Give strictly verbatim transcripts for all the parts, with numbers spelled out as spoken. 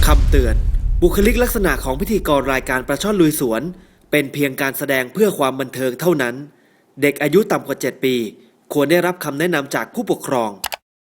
คำเตือนบุคลิกลักษณะของพิธีกรรายการปลาช่อนลุยสวนเป็นเพียงการแสดงเพื่อความบันเทิงเท่านั้นเด็กอายุต่ำกว่าเจ็ดปีควรได้รับคำแนะนำจากผู้ปกครอง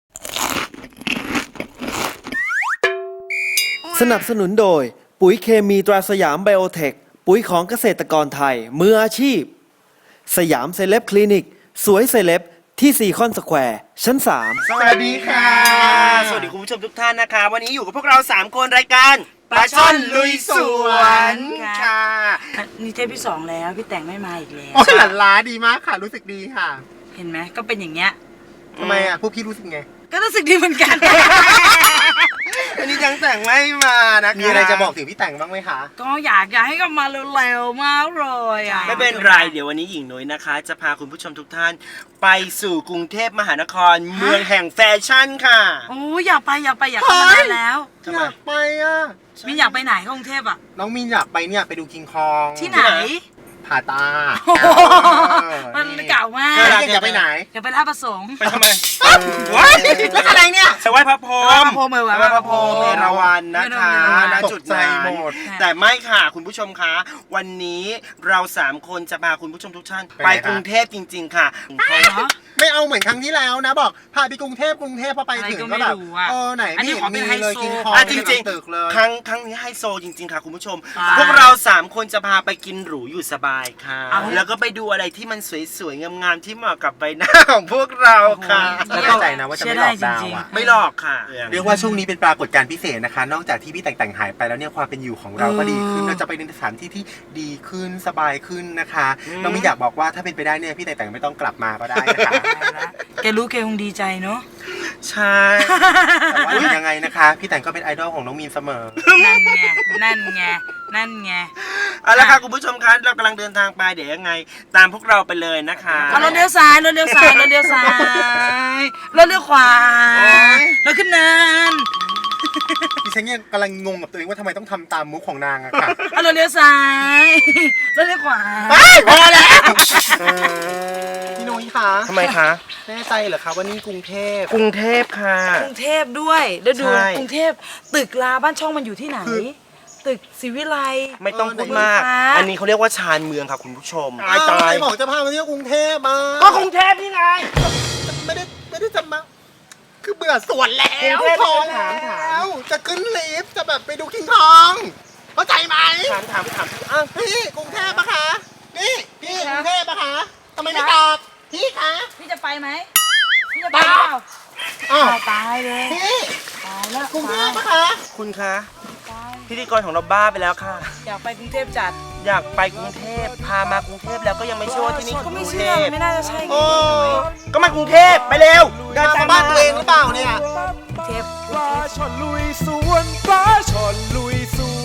สนับสนุนโดยปุ๋ยเคมีตราสยามไบโอเทคปุ๋ยของเกษตรกรไทยมืออาชีพสยามเซเลบคลินิกสวยเซเลบที่ซีคอนสแควร์ชั้นสามสวัสดีค่ะสวัสดีคุณผู้ชมทุกท่านนะคะวันนี้อยู่กับพวกเราสามคนรายการปลาช่อนลุยสวนค่ะนี่เทปที่สองแล้วพี่แต่งไม่มาอีกแล้วโอ้หลั่นล้าดีมากค่ะรู้สึกดีค่ะเห็นไหมก็เป็นอย่างเงี้ยทำไมอ่ะพวกพี่รู้สึกไงก็รู้สึกดีเหมือนกันวันนี้จังแต่งไม่มานะคะมีอะไรจะบอกถึงพี่แต่งบ้างไหมคะก็อยากอยากให้กลับมาเร็วๆมากเลยอ่ะไม่เป็นไรเดี๋ยววันนี้หญิงนุ้ยนะคะจะพาคุณผู้ชมทุกท่านไปสู่กรุงเทพมหานครเมืองแห่งแฟชั่นค่ะโอ้อยากไปอยากไปอยากไปมานานแล้วอยากไปอ่ะมินอยากไปไหนกรุงเทพอ่ะน้องมินอยากไปเนี่ยไปดูคิงคองที่ไหนผาตามันเก่ามากอยากไปไหนอยากไปท่าประสงค์ไปทำไมว้ายแล้วอะไรเนี่ยไปไหว้พระพรหมพระพรหมไหว้พระพรหมเอราวัณนะคะณจุดนั้นแต่ไม่ค่ะคุณผู้ชมคะวันนี้เราสามคนจะพาคุณผู้ชมทุกท่านไปกรุงเทพจริงๆค่ะไม่เอาเหมือนครั้งที่แล้วนะบอกพาไปกรุงเทพกรุงเทพพอไปถึงก็แบบเออไหนไม่เห็นมีเลยคิงคองจริงๆครั้งครั้งนี้ไฮโซจริงๆค่ะคุณผู้ชมพวกเราสามคนจะพาไปกินหรูอยู่สบายค่ะแล้วก็ไปดูอะไรที่มันสวยๆงามๆที่เหมาะกับใบหน้าของพวกเราค่ะไม่เข้าใจนะว่าจะไม่หลอกดาวอ่ะไม่หลอกค่ะเรียกว่าช่วงนี้เป็นปรากฏการณ์พิเศษนะคะนอกจากที่พี่แต่งแต่งหายไปแล้วเนี่ยความเป็นอยู่ของเราก็ดีขึ้นเราจะไปในสถานที่ที่ดีขึ้นสบายขึ้นนะคะน้องมินอยากบอกว่าถ้าเป็นไปได้เนี่ยพี่แต่งแต่งไม่ต้องกลับมาก็ได้นะคะแกรู้แกคงดีใจเนาะใช่แต่ว่ายังไงนะคะพี่แต่งก็เป็นไอดอลของน้องมินเสมอนั่นไงนั่นไงนั่นไงเอาละค่ะคุณผู้ชมคะเรากำลังเดินทางไปเดี๋ยวยังไงตามพวกเราไปเลยนะคะรถเลี้ยวซ้ายรถเลี้ยวซ้ายรถเลี้ยวซ้ายรถเลี้ยวขวารถขึ้นเนินดิฉันเนี่ยกำลังงงกับตัวเองว่าทำไมต้องทำตามมุกของนางอะค่ะรถเลี้ยวซ้ายรถเลี้ยวขวาพอแล้วพี่นุ้ยคะทำไมคะแน่ใจเหรอคะว่านี่กรุงเทพกรุงเทพค่ะกรุงเทพด้วยแล้วดูกรุงเทพตึกลาบ้านช่องมันอยู่ที่ไหนตึกศรีวิไลไม่ต้องพูดมากอันนี้เขาเรียกว่าชานเมืองค่ะคุณผู้ชมตายตายบอกจะพามาเที่ยวกรุงเทพมาก็กรุงเทพนี่ไงไม่ได้ไม่ได้จะมาคือเบื่อสวนแล้วพอแล้วจะขึ้นลิฟต์จะแบบไปดูคิงคองเข้าใจไหมถามถามถามอ้าวพี่กรุงเทพปะคะนี่พี่กรุงเทพปะคะทำไมไม่ตอบพี่คะพี่จะไปไหมพี่จะไปเปล่าอ้าวตายเลยพี่ตายแล้วกรุงเทพปะคะคุณคะพิธีกรของเราบ้าไปแล้วค่ะอยากไปกรุงเทพจัดอยากไปกรุงเทพพามากรุงเทพแล้วก็ยังไม่เชื่อว่าที่นี่ก็ไม่เชื่อไม่น่าจะใช่โอ้ก็มากรุงเทพไปเร็วเดินมาบ้านตัวเองหรือเปล่าเนี่ยกรุงเทพปลาช่อนลุยสวนปลาช่อนลุยสวน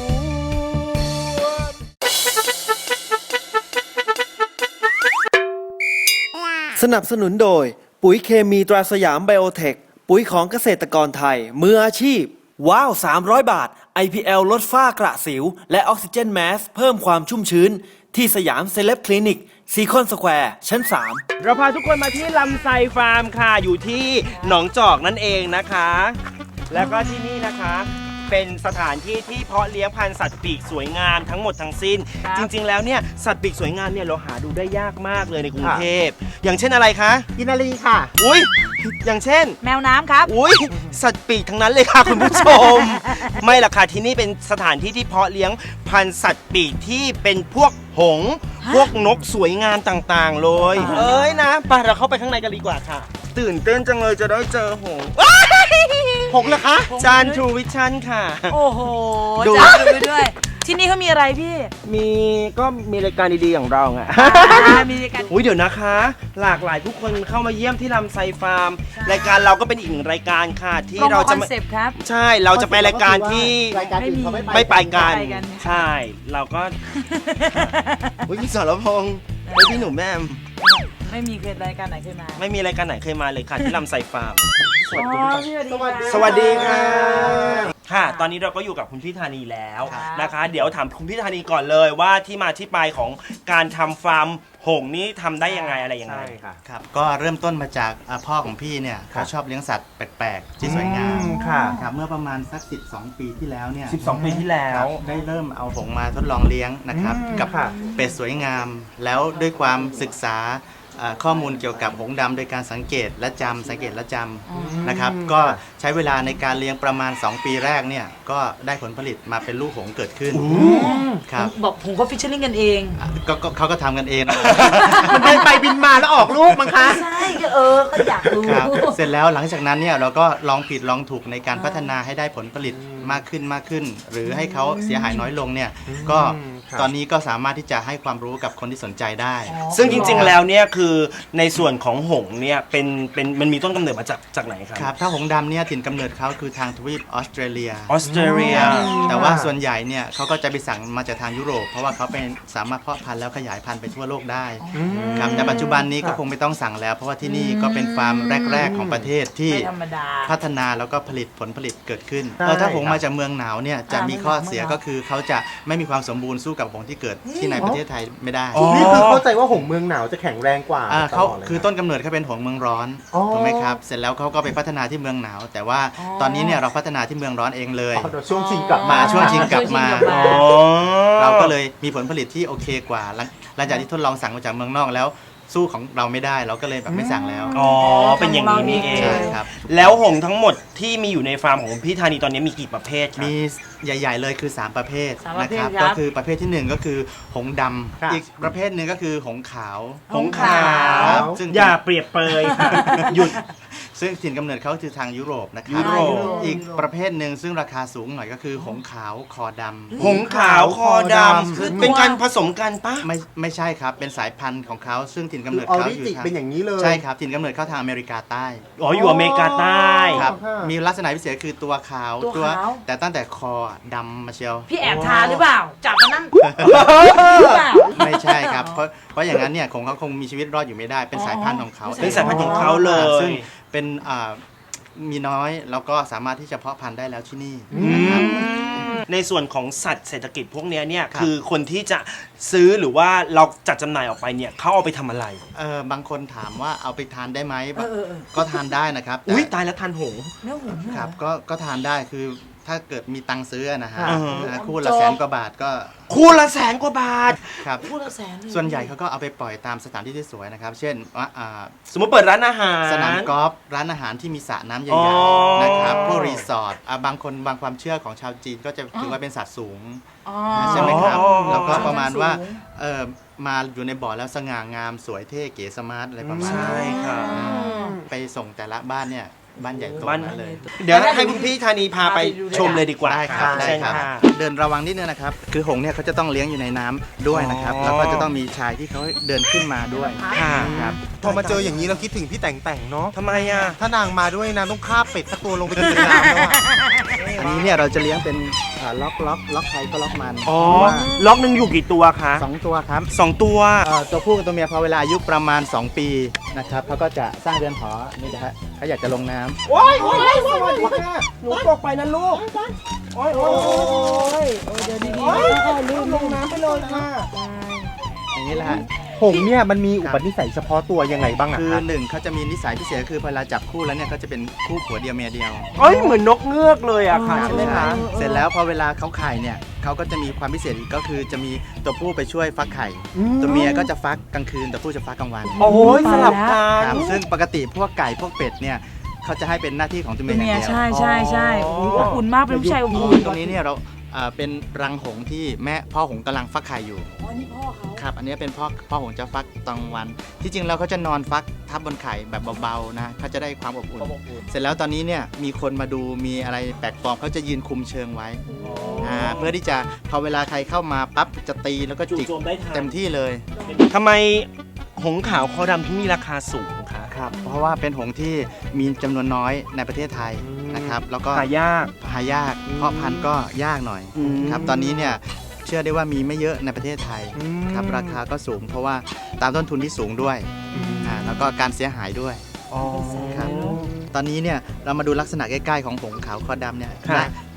สนับสนุนโดยปุ๋ยเคมีตราสยามไบโอเทคปุ๋ยของเกษตรกรไทยมืออาชีพว้าวสามร้อยบาท ไอ พี แอล ลดฝ้ากระสิวและออกซิเจนแมสเพิ่มความชุ่มชื้นที่สยามเซเลบคลินิกซีคอนสแควร์ชั้นสามเราพาทุกคนมาที่ลำไซฟาร์มค่ะอยู่ที่หนองจอกนั่นเองนะคะแล้วก็ที่นี่นะคะเป็นสถานที่ที่เพาะเลี้ยงพันธุ์สัตว์ปีกสวยงามทั้งหมดทั้งสิ้นจริงๆแล้วเนี่ยสัตว์ปีกสวยงามเนี่ยเราหาดูได้ยากมากเลยในกรุงเทพอย่างเช่นอะไรคะกินนารีค่ะอุ้ยอย่างเช่นแมวน้ำครับอุ้ยสัตว์ปีกทั้งนั้นเลยค่ะคุณผู้ชมไม่ล่ะค่ะที่นี่เป็นสถานที่ที่เพาะเลี้ยงพันธุ์สัตว์ปีกที่เป็นพวกหงส์พวกนกสวยงามต่างๆเลยเอ้ยนะไปเราเข้าไปข้างในกันดีกว่าค่ะตื่นเต้นจังเลยจะได้เจอหงส์หงส์เหรอคะจานทูวิชั่นค่ะโอ้โหจานทูด้วยที่นี่เขามีอะไรพี่มีก็มีรายการดีๆอย่างเราไงมีรายการอุ้ยเดี๋ยวนะคะหลากหลายผู้คนเข้ามาเยี่ยมที่ลำไซฟาร์มรายการเราก็เป็นอีกหนึ่งรายการค่ะที่เราจะใช่เราจะไปรายการที่ไม่ไปกันใช่เราก็อุ้ยพี่สรพงษ์ไอ้พี่หนุ่มแม่ไม่มีเคยรายการไหนเคยมาไม่มีรายการไหนเคยมาเลยค่ะที่ลำไซฟาร์มสวัสดีสวัสดีค่ะค่ะตอนนี้เราก็อยู่กับคุณพี่ธานีแล้วครับนะคะ เดี๋ยวถามคุณพี่ธานีก่อนเลยว่าที่มาที่ไปของการทำฟาร์มหงส์นี้ทำได้ยังไงอะไรยังไงครับก็เริ่มต้นมาจากอ่าพ่อของพี่เนี่ยเขาชอบเลี้ยงสัตว์แปลกๆที่สวยงามอืมค่ะครับเมื่อประมาณสัก สิบสอง ปีที่แล้วเนี่ยสิบสอง ปีที่แล้คว รับได้เริ่มเอาหงส์มาทดลองเลี้ยงนะครับอืมกับค่ะเป็ดสวยงาม แล้วด้วยความศึกษาอ่าข้อมูลเกี่ยวกับหงส์ดำโดยการสังเกตและจำสังเกตและจำนะครับก็ใช้เวลาในการเลี้ยงประมาณ สอง ปีแรกเนี่ยก็ได้ผลผลิตมาเป็นลูกหงส์เกิดขึ้นครับบอกผมก็ฟิชเชอร์ลิงกันเองอ่ะก็ก็เขาก็ทำกันเองนะมันบินไปบินมาแล้วออกลูกมั้งคะใช่ก็เออก็อยากรู้ครับเสร็จแล้วหลังจากนั้นเนี่ยเราก็ลองผิดลองถูกในการพัฒนาให้ได้ผลผลิตมากขึ้นมากขึ้น หรือให้เขาเสียหายน้อยลงเนี่ยก็ครับตอนนี้ก็สามารถที่จะให้ความรู้กับคนที่สนใจได้ซึ่งจริงๆแล้วเนี่ยคือในส่วนของหงส์เนี่ยเป็นเป็นมันมีต้นกำเนิดมาจากจากไหนครับครับถ้าหงส์ดำเนี่ยถิ่นกำเนิดเขาคือทางทวีปออสเตรเลียออสเตรเลียแต่ว่าส่วนใหญ่เนี่ยเขาก็จะไปสั่งมาจากทางยุโรป เพราะว่าเขาเป็นสามารถเพาะพันธุ์แล้วขยายพันธุ์ไปทั่วโลกได้ครับแต่ปัจจุบันนี้ก็คงไม่ต้องสั่งแล้ว เพราะว่าที่นี่ก็เป็นฟาร์มแรก ๆ ของประเทศที่ไม่ธรรมดาพัฒนาแล้วก็ผลิตผลผลิตเกิดขึ้นใช่เออถ้าหงส์ครับมาจากเมืองหนาวเนี่ยจะมีข้อเสียก็คือเขาจะไม่มีความสมบูรณ์สู้กับหงส์ที่เกิดที่ในประเทศไทยไม่ได้นี่คือเข้าใจว่าหงส์เมืองหนาวจะแข็งแรงกว่าอ่าเขาตลดลยคือต้นกำเนิดเขาเป็นหงส์เมืองร้อนอ๋อถูกไหมครับเสร็จแล้วเขาก็ไปพัฒนาที่เมืองหนาว แต่ว่าอ๋อตอนนี้เนี่ยเราพัฒนาที่เมืองร้อนเองเลยอ๋อเดี๋ยวช่วงชิงกลับมามาช่วงชิงกลับมาช่วงชิงกลับมาอ๋อเราก็เลยมีผลผลิตที่โอเคกว่าหลังหลังจากที่ทดลองสั่งมาจากเมืองนอกแล้วสู้ของเราไม่ได้เราก็เลยแบบไม่สั่งแล้วอ๋อเป็นอย่างนี้นี่เองใช่ครับแล้วหงส์ทั้งหมดที่มีอยู่ในฟาร์มของพี่ธานีตอนนี้มีกี่ประเภทครับมีใหญ่ ๆ เลยคือ สาม ประเภทสามประนะเภทครับครับก็คือประเภทที่หนึ่งก็คือหงส์ดครับำอีกประเภทหนึ่งก็คือหงส์ขาวหงส์ขาวครับซึ่งอย่าเปรียบเปรยค่ะหยุดซึ่งถิ่นกำเนิดเขาคือทางยุโรปนะครัยุโรปอีกประเภทหนึ่งซึ่งราคาสูงหน่อยก็คือหงส์ขาวคอดำหงส์ขาวคอดำคือเป็นการผสมกันปะไม่ไม่ใช่ครับเป็นสายพันธุ์ของเขาซึ่งถิ่นกำคืเนิอดออเขาริอยู่จิทางเป็นอย่างนี้เลยใช่ครับถิ่นกำเนิดเขาทางอเมริกาใต้อ๋ออยู่อเมริกาใต้ครับอ๋อมีลักษณะพิเศษคือตัวขาวตัวขาวแต่ตั้งแต่คอดำมาเชียวพี่แอบทาหรือเปล่า จับมานั่งหรือเปล่าไม่ใช่ครับ เพราะเพราะอย่างนั้นเนี่ยคงเขาคงมีชีวิตรอดอยู่ไม่ได้ เป็นสายพันธุ์ของเขาเป็นสายพันธุ์ของเขาเลครับยซึ่งเป็นอ่ามีน้อยแล้วก็สามารถที่จะเพาะพันธุ์ได้แล้วที่นี่อืนะครับมในส่วนของสัตว์เศรษฐกิจพวกเนี้ยเนี่ยครับคือคนที่จะซื้อหรือว่าเราจัดจำหน่ายออกไปเนี่ยเขาเอาไปทำอะไรเออบางคนถามว่าเอาไปทานได้ไหมเออเออเออก็ทานได้นะครับแต่อุ้ยตายแล้วทานหงส์เนื้อหุ่นครับก็ก็ทานได้คือถ้าเกิดมีตังค์ซื้อนะฮะอ่าฮะอ่าคู่ละแสนกว่าบาทก็คู่ละแสนกว่าบาทครับพูดละแสนเลยส่วนใหญ่เขาก็เอาไปปล่อยตามสถานที่ที่สวยนะครับ เช่นว่าอ่าสมมติเปิดร้านอาหารสนามกอล์ฟร้านอาหารที่มีสระน้ำใหอ๋ญ่อๆนะครับพวกรีสอร์ทอ่ะบางคนบางความเชื่อของชาวจีนก็จะถือว่าเป็นสัตว์สูงอ๋อใช่ไหมครับอ๋อแล้วก็ประมาณว่าสูงเออมาอยู่ในบ่อแล้วสง่างามสวยเท่เก๋สมาร์ทอะไรประมาณใช่นั้นค่ะอ่าไปส่งแต่ละบ้านเนี่ยบ้านใหญ่โตบ้านนั้นเลยเดี๋ยวให้คุณพี่ธานีพาไปชมเลยดีกว่าได้ครับได้เชิญครับค่ะเดินระวังนิดนึงนะครับ คือหงส์เนี่ยเขาจะต้องเลี้ยงอยู่ในน้ำด้วยนะครับอ๋อแล้วก็จะต้องมีชายที่เขาเดินขึ้นมาด้วยค่ะครับพอมาเจออย่างนี้เราคิดถึงพี่แต่งแต่งเนาะทำไมอ่ะถ้านางมาด้วยนางต้องฆ่าเป็ดสักตัวลงไปกินในน้ำแล้วอะอันนี้เนี่ยเราจะเลี้ยงเป็นอ่าล็อกล็อกล็อกใครก็ล็อกมันอ๋อเพราะว่าล็อกหนึ่งอยู่กี่ตัวคะสองตัวครับสองตัวเอ่อตัวผู้กับตัวเมียพอเวลาอายุประมาณ สอง ปีนะครับเขาก็จะสร้างเรือนหอนี่นะฮะเขาอยากจะลงน้ำโอ้ยโอ้ยโอ้ยหนูตกไปนะลูก โอ้ยโอ้ยเดี๋ยวดีๆลืมลงน้ำไปเลยค่ะอย่างนี้แหละฮะหงส์เนี่ยมันมีอุปนิสัยเฉพาะตัวยังไงบ้างอะคือครับหนึ่งเขาจะมีนิสัยพิเศษคือพอเวลาจับคู่แล้วเนี่ยเขาจะเป็นคู่ผัวเดียวเมียเดียวเอ้ยเหมือนนกเงือกเลยอะค่ะอ๋อใช่ไหมคะเสร็จแล้วพอเวลาเขาไข่เนี่ยเขาก็จะมีความพิเศษอีกก็คือจะมีตัวผู้ไปช่วยฟักไข่ ตัวเมียก็จะฟักกลางคืนตัวผู้จะฟักกลางวันโอ้ยสลับกัครับนซึ่งปกติพวกไก่พวกเป็ดเนี่ยเขาจะให้เป็นหน้าที่ของตัวเมีเป็ยนอย่างเมียเดียวใช่ใช่ใช่อ๋อโอ้โหอบอุ่นมากเป็นผู้ชายอบอุ่นตรงนี้เนี่ยเราเอ่อเป็นรังหงส์ที่แม่พ่อหงส์กำลังฟักไข่อยู่อ๋อนี่พ่อเขาครับอันนี้เป็นพ่อพ่อหงส์จะฟักตอนกลางวัน ที่จริงแล้วเขาจะนอนฟักทับบนไข่แบบเบาๆนะเขาจะได้ความอบอุ่น เสร็จแล้วตอนนี้เนี่ยมีคนมาดูมีอะไรแปลกปลอมเขาจะยืนคุมเชิงไว้อ่าเพื่อที่จะพอเวลาใครเข้ามาปั๊บจะตีแล้วก็จู่จิกโจมได้ทันเต็มที่เลยทำไมหงส์ขาวคอดำที่มีราคาสูงคะครับเพราะว่าเป็นหงส์ที่มีจำนวนน้อยในประเทศไทยนะครับแล้วก็หายากหายากเพาะพันธุ์ก็ยากหน่อยอืมครับตอนนี้เนี่ยเชื่อได้ว่ามีไม่เยอะในประเทศไทยครับราคาก็สูง เพราะว่าตามต้นทุนที่สูงด้วยอ่าแล้วก็การเสียหายด้วยอ๋อครับตอนนี้เนี่ยเรามาดูลักษณะใกล้ๆของหงส์ขาวคอดำเนี่ยค่ะได้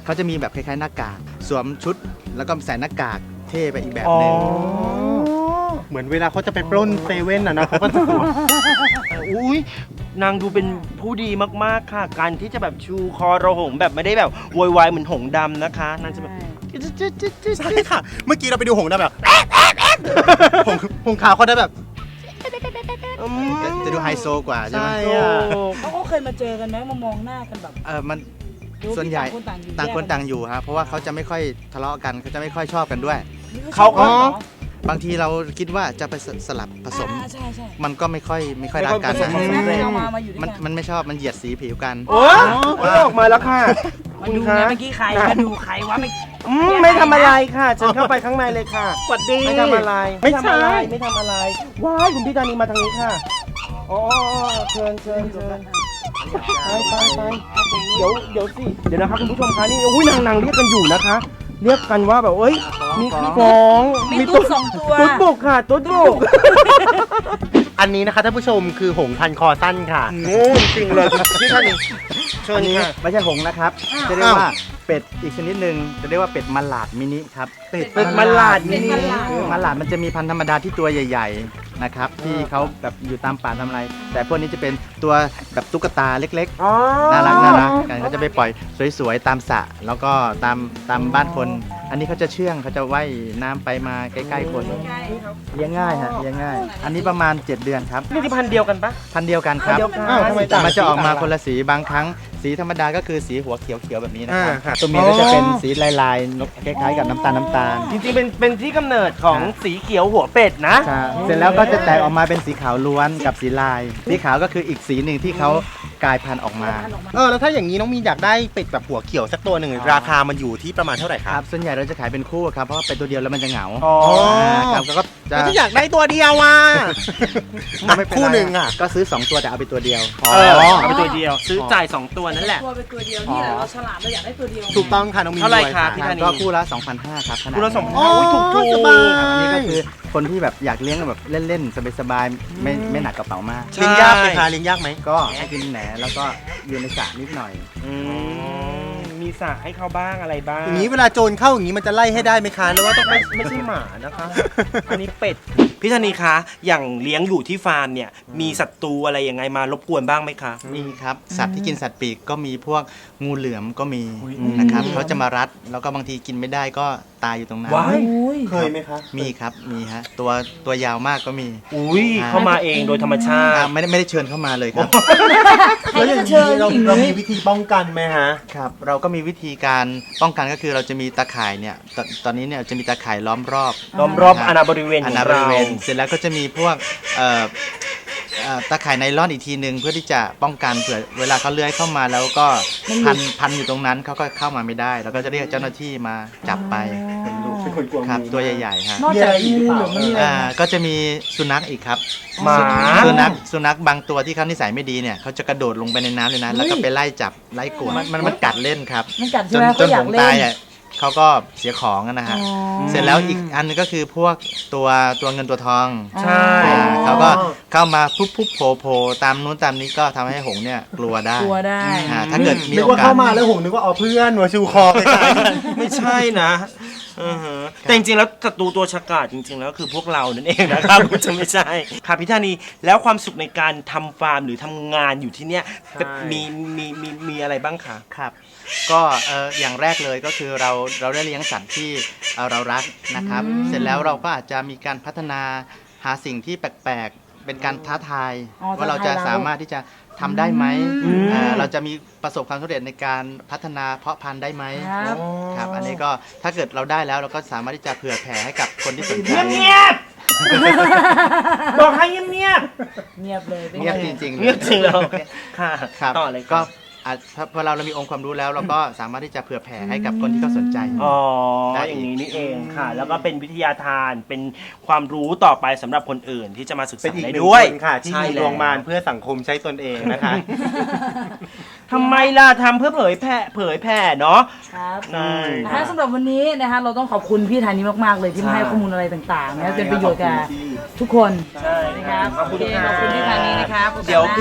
เขาจะมีแบบคล้ายๆหน้ากากสวมชุดแล้วก็ใส่หน้ากากเท่ไปอีกแบบหนึ่งเหมือนเวลาเขาจะไปปล้นเซเว่นอ่ะนะเขาก็จะอุ้ยนางดูเป็นผู้ดีมากๆค่ะ การที่จะแบบชูคอระหงแบบไม่ได้แบบโวยวายเหมือนหงส์ดำนะคะนางจะแบบใช่ค่ะ เมื่อกี้เราไปดูหงส์ดำแบบหงส์หงส์ขาวเขาได้แบบจะจะดูไฮโซกว่าใช่ไหมใช่อะเขาก็เคยมาเจอกันไหมมามองหน้ากันแบบเออมันหรือว่าส่วนใหญ่ต่างคนต่างอยู่ต่างคนแยกกันต่างอยู่ครับเพราะว่าเขาจะไม่ค่อยทะเลาะกันเขาจะไม่ค่อยชอบกันด้วยเขาก็บางทีเราคิดว่าจะไปสลับผสมอ่าใช่ใช่มันก็ไม่ค่อยไม่ค่อยรักกันไม่นะค่อยผสมแม่เอามามาอยู่ด้วยมันกันมันไม่ชอบมันเหยียดสีผิวกันโอ้ยออกมาแล้วค่ะมาดูนะเมื่อกี้ใครมาดูใครวะไม่อืมไม่ทำอะไรค่ะเชิญเข้าไปข้างในเลยค่ะสวัสดีไม่ทำอะไรไม่ไม่ใช่ทำอะไรไม่ทำอะไรว้ายคุณพี่ธานีมาทางนี้ค่ะอ๋อเชิญเชิญเชิญไปไปไปเดี๋ยวเดี๋ยวสิเดี๋ยวนะครับคุณผู้ชมคะนี่อุ้ยนางนางเรียกกันอยู่นะคะ เรียกกันว่าแบบเอ้ยมีมีฟ้องมีตุ๊ดสองตัวตุ๊ดบุกค่ะตุ๊ดบุกอันนี้นะคะท่านผู้ชมคือหงส์พันคอสั้นค่ะโง่จริงเลยพี่ธานีเชิญอันนี้ค่ะไม่ใช่หงส์นะครับ จะเรียกว่าเป็ดอีกชนิดหนึ่งจะเรียกว่าเป็ดมะหลาดมินิครับเป็ดเป็ดมะลาดเป็นี่ดมะลาดคือมะหลาดมันจะมีพันธุ์ธรรมดาที่ตัวใหญ่ๆนะครับที่เขาแบบอยู่ตามป่าทำอะไร แต่พวกนี้จะเป็นตัวแบบตุ๊กตาเล็กอ๋อๆ น่ารักน่ารักกันเขาจะไปปล่อยสวยๆตามสระแล้วก็ตามตามบ้านคน อันนี้เขาจะเชื่องเขาจะว่ายน้ำไปมาใกล้ๆคนเลี้ยงง่ายฮะเลี้ยงง่าย อันนี้ประมาณเจ็ดเดือนครับนี่ที่พันธุ์เดียวกันปะพันธุ์เดียวกันครับพันธุ์เดียวกันอ้าวทำไมแต่ต่างมันจะออกมาสีคนละสีบางครั้ง สีธรรมดาก็คือสีหัวเขียวๆแบบนี้นะครับอ่าค่ะตัวเมียก็จะเป็นสีลายๆนกคล้ายๆกับน้ำตาลน้ำตาลจริงๆเป็นเป็นที่กำเนิดของสีเขียวหัวเป็ดนะใช่เสร็จแล้วก็จะแตกออกมาเป็นสีขาวล้วนกับสีลาย สีขาวก็คืออีกสีหนึ่งที่เขากลายพันธุ์ออกมาเออแล้วถ้าอย่างนี้น้องมีนอยากได้เป็ดแบบหัวเขียวสักตัวหนึ่งราคามันอยู่ที่ประมาณเท่าไหร่คครัรับ บส่วนใหญ่เราจะขายเป็นคู่ครับเพราะว่าเป็นตัวเดียวแล้วมันจะเหงาอ๋อาครับแล้วก็จะแล้วถ้าอยากได้ตัวเดียวอ่ะก็ไม่เป็ไรคู่หนึ่งอ่ะก็ซื้อสองตัวแต่เอาไปตัวเดียวเออเอาไปตัวเดียว ซื้อจ่ายสองตัวนั่นแหละตัวเป็นตัวเดียวนี่แหละเราฉลาดเราอยากได้ตัวเดียวถูกต้องค่ะน้องมีนเท่าไหร่วยคะค่ะพี่ธานีก็คู่ละสองพันห้าร้อยครับขนาดคุณละสองอ๋อโอ้ยถูกถูกสบายครับอันนี้ก็คือคนที่แบบอยากเลี้ยงแบบเล่นๆสบายๆไม่ไม่หนักกระเป๋ามากเลี้ยงยากไหมคะเลี้ยงยากไหมก็ให้กินแหนแล้วก็อยู่ในสระนิดหน่อยอืมมีสระให้เขาบ้างอะไรบ้างอย่างนี้เวลาโจรเข้าอย่างนี้มันจะไล่ให้ได้ไหมคะหรือว่าต้องไปไม่ใช่หมานะคะ อันนี้เป็ด พี่ธนีคะ อย่างเลี้ยงอยู่ที่ฟาร์มเนี่ย มีศัตรูอะไรยังไงมารบกวนบ้างไหมคะมีครับสัตว์ที่กินสัตว์ปีกก็มีพวกงูเหลือมก็มีนะครับเขาจะมารัดแล้วก็บางทีกินไม่ได้ก็ตายอยู่ตรงนั้นว้ายเคยไหมคะมีครับมีฮะตัวตัวยาวมากก็มีอุ้ยเข้ามาเองโดยธรรมชาอ่าติไม่ได้ไม่ได้เชิญเข้ามาเลยครับแล้วอย่างนี้เราเรามีวิธีป้องกันไหมฮะครับเราก็มีวิธีการป้องกันก็คือเราจะมีตาข่ายเนี่ยตตอนนี้เนี่ยจะมีตาข่ายล้อมรอบล้อมรอบอาณาบริเวณขอาองณาบเราริเวณเสร็จแล้วก็จะมีพวกเอ่อเอ่อตาข่ายไนลอนอีกทีหนึ่งเพื่อที่จะป้องกันเผื่อเวลาเขาเลื้อยเข้ามาแล้วก็พันพันอยู่ตรงนั้นเขาก็เข้ามาไม่ได้แล้วก็จะเรียกเจ้าหน้าที่มาจับไปเป็นคนกลัวครับงูตัวใหญ่ๆฮะนอกจากงูเหลือมมันมีอะไรอ่าก็จะมีสุนัขอีกครับหมาสุนัขสุนัขบางตัวที่เขานิสัยไม่ดีเนี่ยเขาจะกระโดดลงไปในน้ำเลยนะแล้วก็ไปไล่จับไล่กวดมันมันมันกัดเล่นครับมันกัดจใช่นไหมจเขานอยาผกมเล่ตายนอ่ะเขาก็เสียของอะนะฮะอ๋อเสร็จแล้วอีกอันนึงก็คือพวกตัวตัวเงินตัวทองใช่อ่าเขาก็เข้ามาปุ๊บปุ๊บโผล่โผล่ตามนู้นตามนี้ก็ทำให้หงส์เนี่ยกลัวได้กลัวได้อ่าถ้าเกิดมีนึกโอว่าาสกเข้ามาแล้วหงนึกว่าเอาเพื่อนหัวชูคอไปกันไม่ใช่นะอือฮะแต่จริงๆแล้วศัตรูตัวฉกาจจริง ๆ แล้วคือพวกเรานั่นเองนะครับ คุณจะไม่ใช่ค่ะพี่ธานีแล้วความสุขในการทำฟาร์มหรือทำงานอยู่ที่เนี้ยมีมีมีมีอะไรบ้างคะครับ ก็เอ่ออย่างแรกเลยก็คือเราเราได้เลี้ยงสัตว์ที่เอ่อเรารักนะครับ เสร็จแล้วเราก็อาจจะมีการพัฒนาหาสิ่งที่แปลกๆ เป็นการท้าทายอ๋อว่าเราท้าทายจะเราสามารถที่จะทำได้ไหมอืมเอ่อเราจะมีประสบความสำเร็จในการพัฒนาเพาะพันธุ์ได้ไหมครับครับ อันนี้ก็ถ้าเกิดเราได้แล้วเราก็สามารถที่จะเผื่อแผ่ให้กับคนที่สนใจเงียบๆบอกให้เงียบเงียบเลยป็นไเงียบจริงๆๆเงียบจริงแล้วค่ะครับต่อเลยก็ก็อ่ะพอพอเราเรามีองค์ความรู้แล้วเราก็สามารถที่จะเผื่อแผ่ให้กับคนที่เขาสนใจอ๋อได้อย่างนี้นี่เองค่ะ แล้วก็เป็นวิทยาทานเป็นความรู้ต่อไปสำหรับคนอื่นที่จะมาศึกเป็นษาอีกหได้นึ่งด้วยคนค่ะ ที่ใช่มีแล้ดวงมารเพื่อสังคมใช้ตนเองนะคะทำไมล่ะทำเพื่อเผยแผ่เผยแผ่เนาะครับใช่นะคะสำหรับวันนี้นะคะเราต้องขอบคุณพี่ธานีมากๆเลยที่มาใช่ให้ข้อมูลอะไรต่างๆนะเป็นประโยชน์กับขอบคุณที่ทุกคนใช่นะครับขอบคุณโอเคขอบคุณพี่ธานีนะครับเดี๋ยวพี่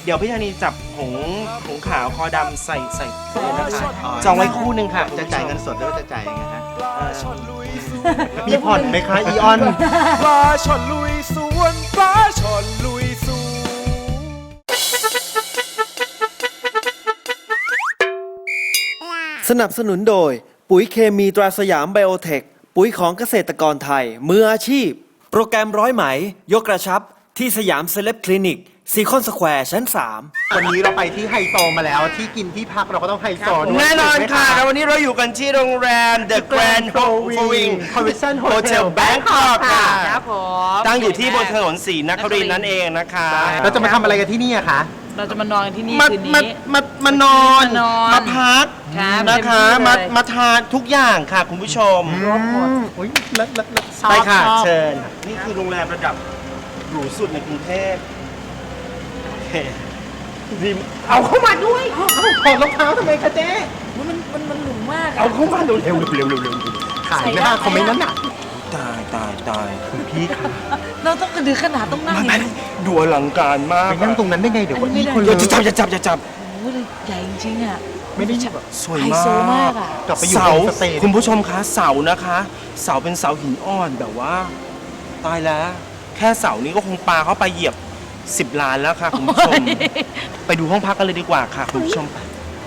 เดี๋ยวพี่ธานีจับหงหงขาวคอดำใส่ใส่เลยนะคะจองไว้คู่หนึ่งค่ะจะจ่ายเงินสดหรือว่าจะจ่ายยังไงฮะเอ่อมีผ่อนไหมคะอีออนปลาช่อนลุยสวนปลาช่อนลุยสวนสนับสนุนโดยปุ๋ยเคมีตราสยามไบโอเทคปุ๋ยของเกษตรกรไทยมืออาชีพ โปรแกรมร้อยไหมยกกระชับที่สยามเซเลบคลินิกซีคอนสแควร์ชั้นสามวันนี้เราไปที่ไฮโซมาแล้วที่กินที่พักเราก็ต้องไฮโซด้วยแน่นอนค่ะถูกไหมแล้ววันนี้เราอยู่กันที่โรงแรม The Grand Flowing Convention Hotel Hotel Bangkok ค่ะครับผมตั้งอยู่ที่บนถนนศรีนครินทร์นั่นเองนะคะเราจะมาทำอะไรกันที่นี่อะคะเราจะมานอนกันที่นี่มาคืนมานี้มามานอนมานอนมาพักครับนะคะเต็มที่เลยมามาทานทุกอย่างค่ะคุณผู้ชมรวมหมดอุ้ยเลิศเลิศเลิศไปค่ะชอบเชิญ นี่คือโรงแรมระดับหรูสุดในกรุงเทพโอเคดีมเอาเข้ามาด้วยถอดรองเท้าทำไมคะเจ๊มันมันมันหรูมากเอาเข้ามาเร็วเร็วเร็วเร็วเร็วเร็วขายหน้าคอมเมนต์นั้นน่ะตายตายตายคุณพี่ค่ะเราต้องกระดือขนาดต้องนั่งมันอย่างนี้ดูอลังการมากไปนั่งตรงนั้นได้ไงเดี๋ยวก็อี้คนอเลย่าย จะจับอย่าจับอย่าจับโอ้โหใหญ่จริงๆอ่ะไม่ได้แบบสวยไฮมาโซมากกอ่ะกลับไปอยู่เสาในสเตจคุณผู้ชมคะเสานะคะ เสาเป็นเสาหินอ่อนแบบว่า ตายแล้ว แค่เสานี้ก็คงปาเข้าไปเหยียบสิบล้านแล้วค่ะคุณผู้ชม ไปดูห้องพักกันเลยดีกว่าค่ะคุณผู้ชมไป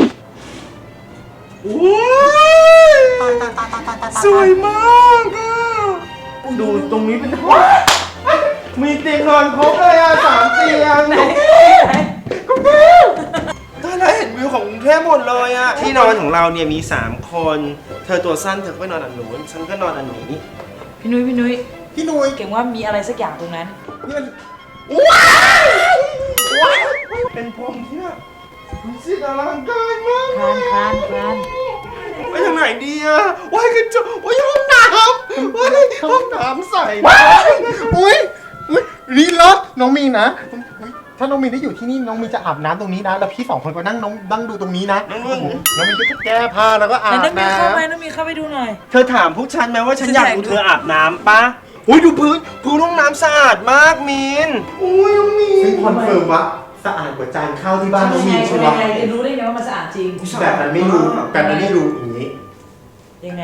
โอ้ยสวยมากอ่ะดูตรงนี้เป็นห้องมีเตียงนอนครบเลยอ่ะสามเตียงก็แม่ตายแล้วเห็นวิวของกรุงเทพหมดเลยอ่ะที่นอนของเราเนี่ยมีสามคน เธอตัวสั้นเธอก็ไปนอนอันนู้นฉันก็นอนอันนี้พี่นุ้ยพี่นุ้ยพี่นุ้ยเก่งว่ามีอะไรสักอย่างตรงนั้นนี่มันว้าวว้าวเป็นพรมที่แบบรู้สึกอลังการมากคลานคลานคลานไปทางไหนดีอะว้ายกระจกว้ายห้องน้ำว้ายห้องน้ำใส่อุ้ยอุ้ยรีเลิศน้องมีนนะอุ๊ยถ้าน้องมีนได้อยู่ที่นี่น้องมีนจะอาบน้ำตรงนี้นะแล้วพี่สองคนก็นั่งน้องนั่งดูตรงนี้นะน้องมีนก็จะแก้ผ้าแล้วก็อาแต่บน้องมีน้เข้าไปน้องมีเข้าไปดูหน่อยเธอถามพวกฉันไหมว่าฉันอยากดูเธออาบน้ำปะอุ้ยดูพื้นพื้นห้องน้ำสะอาดมากมีนอุ้ยน้องมีำซึ่งนคอนเฟิร์มว่าสะอาดกว่าจานข้าวที่บ้านน้องมีนใช่ไหมยังไงจะรู้ได้ไงว่ามันสะอาดจริงแบบนั้นไม่รู้แบบนั้นไม่รู้อย่างนี้ยังไง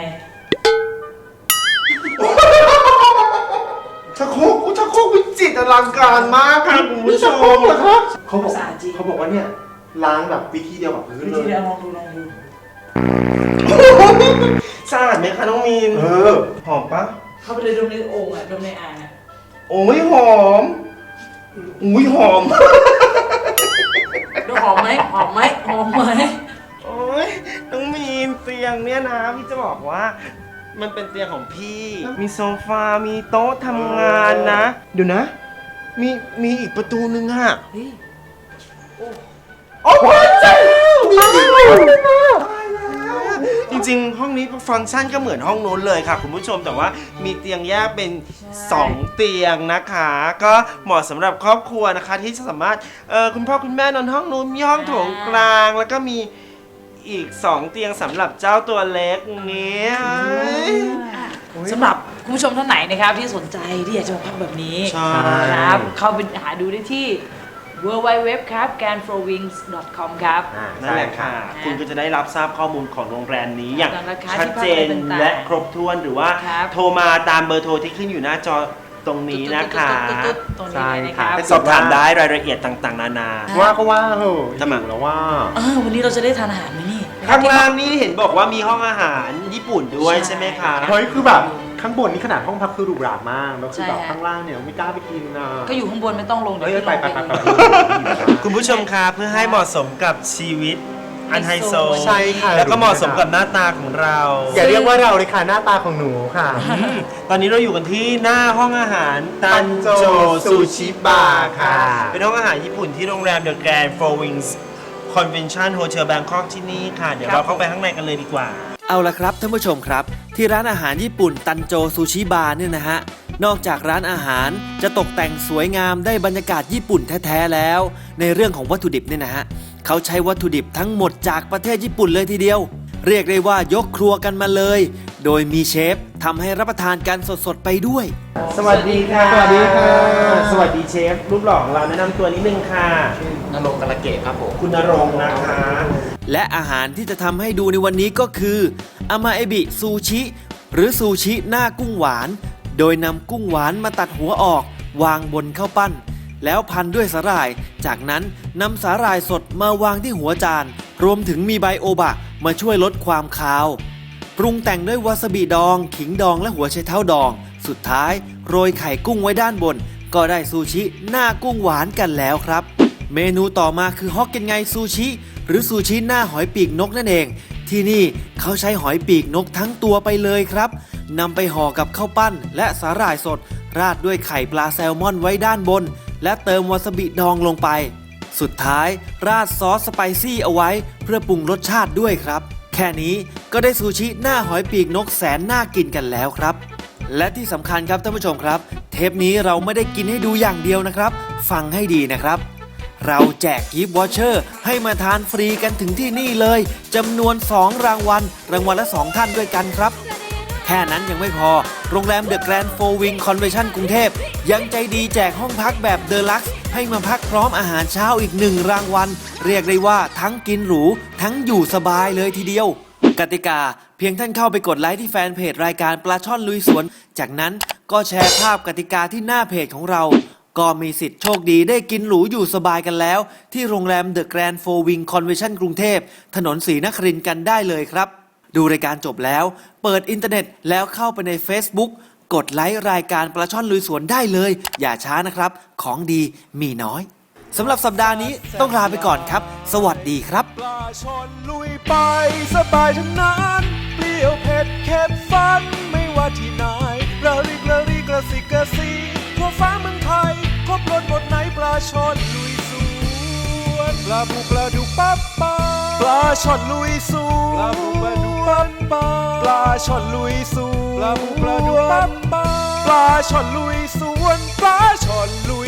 ชักโครกชักโครกวิจิตรอลังการมากค่ะคุณผู้ชมเขาบอกสะอาดจริงเขาบอกว่าเนี่ยล้างแบบวิธีเดียวกับพื้นวิเลธียเดียวลองดูลองดูสะอาดไหมคะน้องมีนเออหอมปะเข้าไปเลยดมในโอ่งอ่ะดมในอ่างอ่ะโอ้ยหอมอุ้ยหอมดูหอมไหมหอมไหมหอมไหมโอ้ยน้องมีนเตียงเนี่ยนะพี่จะบอกว่า มันเป็นเตียงของพี่ มีโซฟา มีโต๊ะทำงานนะเดี๋ยวนะ มีมีอีกประตูนึงอะเฮ้ยโอ้โหเจ้าจริงๆ ห้องนี้ฟังก์ชันก็เหมือนห้องโน้นเลยค่ะคุณผู้ชมแต่ว่ามีเตียงแยกเป็นสองเตียงนะคะ ก็เหมาะสำหรับครอบครัวนะคะ ที่จะสามารถเออคุณพ่อคุณแม่นอนห้องนู้นมีห้องโถงกลาง แล้วก็มีอีกสองเตียงสำหรับเจ้าตัวเล็กนี้สำหรับคุณผู้ชมท่านไหนนะครับที่สนใจที่อยากจะมาพักแบบนี้ใช่ครับเข้าไปหาดูได้ที่ ดับเบิลยู ดับเบิลยู ดับเบิลยู ครับ แกรนด์ โฟร์ วิงส์ ดอท คอม ครับนั่นแหละค่ะ คุณก็จะได้รับทราบข้อมูลของโรงแรมนี้อย่างราคาชัดเจนที่พักอะไรต่างๆและครบถ้วนหรือว่าครับโทรมาตามเบอร์โทรที่ขึ้นอยู่หน้าจอตรงนี้นะคะตุ๊ดๆๆๆตรงนี้เลยนะครับไปสอบถามได้รายละเอียดต่างๆ นานาว่าก็ว่าเหอะทำไมหิวแล้วว่าเออวันนี้เราจะได้ทานอาหารไหมนี่ข้างล่างนี่เห็นบอกว่ามีห้องอาหารญี่ปุ่นด้วยใช่ไหมคะเฮ้ยคือแบบข้างบนนี่ขนาดห้องพักคือหรูหรามากแล้วคือใช่แบบฮะข้างล่างเนี่ยไม่กล้าไปกินนะก็อยู่ข้างบนไม่ต้องลงเดี๋ยวเฮ้ยพี่ไปลงไปไปไปไปดูคุณผู้ชมคะเพื่อให้เหมาะสมกับชีวิตอันไฮโซใช่ค่ะแล้วก็เหมาะสมกับหน้าตาของเราอย่าเรียกว่าเราเลยค่ะหน้าตาของหนูค่ะอืมตอนนี้เราอยู่กันที่หน้าห้องอาหารตัตันนโจโจซูชิบาร์ค่ะค่ะ เป็นห้องอาหารญี่ปุ่นที่โรงแรม The Grand Four Wings Convention Hotel Bangkok ที่นี่ค่ะ เดี๋ยวเราเข้าไปข้างในกันเลยดีกว่าเอาละครับท่านผู้ชมครับ ที่ร้านอาหารญี่ปุ่นตันโจซูชิบาร์เนี่ยนะฮะนอกจากร้านอาหารจะตกแต่งสวยงามได้บรรยากาศญี่ปุ่นแท้ๆแล้ว ในเรื่องของวัตถุดิบเนี่ยนะฮะเขาใช้วัตถุดิบทั้งหมดจากประเทศญี่ปุ่นเลยทีเดียว เรียกได้ว่ายกครัวกันมาเลย โดยมีเชฟทำให้รับประทานกันสดๆไปด้วยสวัสดีค่ะสวัสดีค่ะสวัสดีเชฟรูปหล่อของเราแนะนำตัวนิดนึงค่ะนรงค์กระเกตครับผมคุณณรงค์นะคะและอาหารที่จะทำให้ดูในวันนี้ก็คืออามาเอบิซูชิหรือซูชิหน้ากุ้งหวาน โดยนำกุ้งหวานมาตัดหัวออกวางบนข้าวปั้น แล้วพันด้วยสาหร่าย จากนั้นนำสาหร่ายสดมาวางที่หัวจาน รวมถึงมีใบโอบะมาช่วยลดความคาว ปรุงแต่งด้วยวาซาบิดอง ขิงดองและหัวไชเท้าดอง สุดท้ายโรยไข่กุ้งไว้ด้านบน ก็ได้ซูชิหน้ากุ้งหวานกันแล้วครับ เมนูต่อมาคือฮอกเก็นไงซูชิหรือซูชิหน้าหอยปีกนกนั่นเอง ที่นี่เขาใช้หอยปีกนกทั้งตัวไปเลยครับนำไปห่อกับข้าวปั้นและสาหร่ายสด ราดด้วยไข่ปลาแซลมอนไว้ด้านบน และเติมวาซาบิดองลงไป สุดท้ายราดซอสสไปซี่เอาไว้เพื่อปรุงรสชาติด้วยครับ แค่นี้ก็ได้ซูชิหน้าหอยปีกนกแสนน่ากินกันแล้วครับ และที่สำคัญครับท่านผู้ชมครับ เทปนี้เราไม่ได้กินให้ดูอย่างเดียวนะครับ ฟังให้ดีนะครับ เราแจกกิฟต์วอเชอร์ให้มาทานฟรีกันถึงที่นี่เลยจำนวนสองรางวัลรางวัลละสองท่านด้วยกันครับ แค่นั้นยังไม่พอโรงแรมเดอะแกรนด์โฟร์วิงคอนเวนชั่นกรุงเทพยังใจดีแจกห้องพักแบบเดอะลักซ์ให้มาพักพร้อมอาหารเช้าอีกหนึ่งรางวัลเรียกได้ว่าทั้งกินหรูทั้งอยู่สบายเลยทีเดียวกติกาเพียงท่านเข้าไปกดไลค์ที่แฟนเพจรายการปลาช่อนลุยสวนจากนั้นก็แชร์ภาพกติกาที่หน้าเพจของเราก็มีสิทธิ์โชคดีได้กินหรูอยู่สบายกันแล้วที่โรงแรมเดอะแกรนด์โฟร์วิงคอนเวนชั่นกรุงเทพถนนศรีนครินทร์กันได้เลยครับดูรายการจบแล้วเปิดอินเทอร์เน็ตแล้วเข้าไปใน Facebook กดไลค์รายการปลาช่อนลุยสวนได้เลยอย่าช้านะครับของดีมีน้อยสำหรับสัปดาห์นี้ต้องลาไปก่อนครับสวัสดีครับปลาช่อนลุยไปสบายทั้งนั้นเปรี้ยวเผ็ดเค็มฟันไม่ว่าที่ไหนระริกระริกระสิกระสีทั่วฟ้าเมืองไทยครบรสหมดไหนปลาช่อนลุยสวนปลาบูปลาดุกปั๊บปั๊บปลาช่อนลุยสวนปลาบูปลาดุกปั๊บปั๊บปลาช่อนลุยสวนปลาบูปลาดุกปั๊บปั๊บปลาช่อนลุยสวนปลาช่อนลุย